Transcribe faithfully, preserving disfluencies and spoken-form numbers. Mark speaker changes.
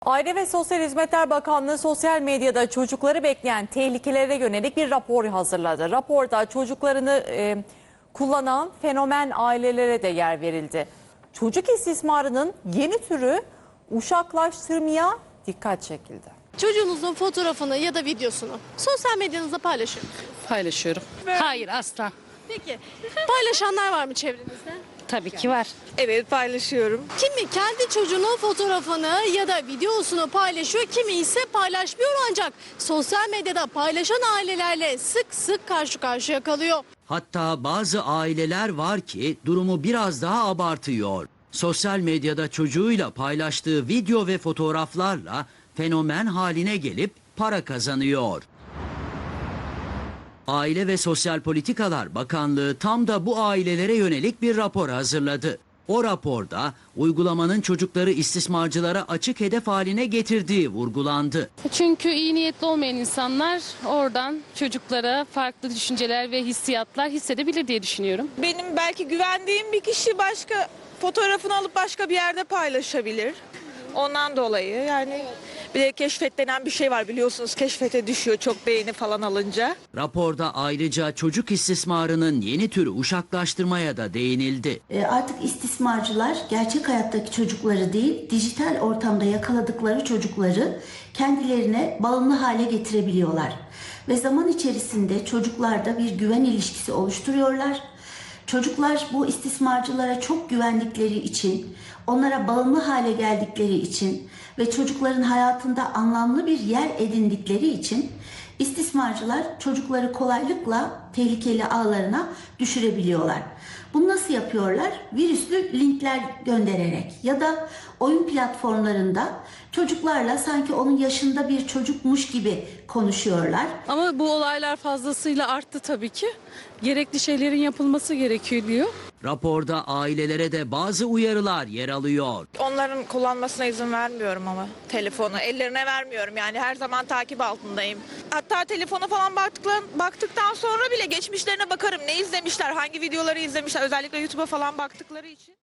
Speaker 1: Aile ve Sosyal Hizmetler Bakanlığı sosyal medyada çocukları bekleyen tehlikelere yönelik bir rapor hazırladı. Raporda çocuklarını e, kullanan fenomen ailelere de yer verildi. Çocuk istismarının yeni türü uşaklaştırmaya dikkat çekildi.
Speaker 2: Çocuğunuzun fotoğrafını ya da videosunu sosyal medyanızda paylaşın.
Speaker 3: Paylaşıyorum. Hayır, asla.
Speaker 2: Peki paylaşanlar var mı çevrenizde?
Speaker 3: Tabii ki var.
Speaker 4: Evet, paylaşıyorum.
Speaker 2: Kimi kendi çocuğunun fotoğrafını ya da videosunu paylaşıyor, kimi ise paylaşmıyor ancak sosyal medyada paylaşan ailelerle sık sık karşı karşıya kalıyor.
Speaker 5: Hatta bazı aileler var ki durumu biraz daha abartıyor. Sosyal medyada çocuğuyla paylaştığı video ve fotoğraflarla fenomen haline gelip para kazanıyor. Aile ve Sosyal Politikalar Bakanlığı tam da bu ailelere yönelik bir rapor hazırladı. O raporda uygulamanın çocukları istismarcılara açık hedef haline getirdiği vurgulandı.
Speaker 3: Çünkü iyi niyetli olmayan insanlar oradan çocuklara farklı düşünceler ve hissiyatlar hissedebilir diye düşünüyorum.
Speaker 4: Benim belki güvendiğim bir kişi başka fotoğrafını alıp başka bir yerde paylaşabilir. Ondan dolayı yani bir de keşfet denen bir şey var, biliyorsunuz, keşfete düşüyor çok beğeni falan alınca.
Speaker 5: Raporda ayrıca çocuk istismarının yeni türü uşaklaştırmaya da değinildi.
Speaker 6: E, Artık istismarcılar gerçek hayattaki çocukları değil, dijital ortamda yakaladıkları çocukları kendilerine bağımlı hale getirebiliyorlar. Ve zaman içerisinde çocuklarda bir güven ilişkisi oluşturuyorlar. Çocuklar bu istismarcılara çok güvendikleri için, onlara bağımlı hale geldikleri için ve çocukların hayatında anlamlı bir yer edindikleri için istismarcılar çocukları kolaylıkla tehlikeli ağlarına düşürebiliyorlar. Bunu nasıl yapıyorlar? Virüslü linkler göndererek ya da oyun platformlarında çocuklarla sanki onun yaşında bir çocukmuş gibi konuşuyorlar.
Speaker 7: Ama bu olaylar fazlasıyla arttı tabii ki. Gerekli şeylerin yapılması gerekiyor diyor.
Speaker 5: Raporda ailelere de bazı uyarılar yer alıyor.
Speaker 4: Onların kullanmasına izin vermiyorum ama telefonu ellerine vermiyorum, yani her zaman takip altındayım. Hatta telefona falan baktıktan, baktıktan sonra bile geçmişlerine bakarım, ne izlemişler, hangi videoları izlemişler, özellikle YouTube'a falan baktıkları için.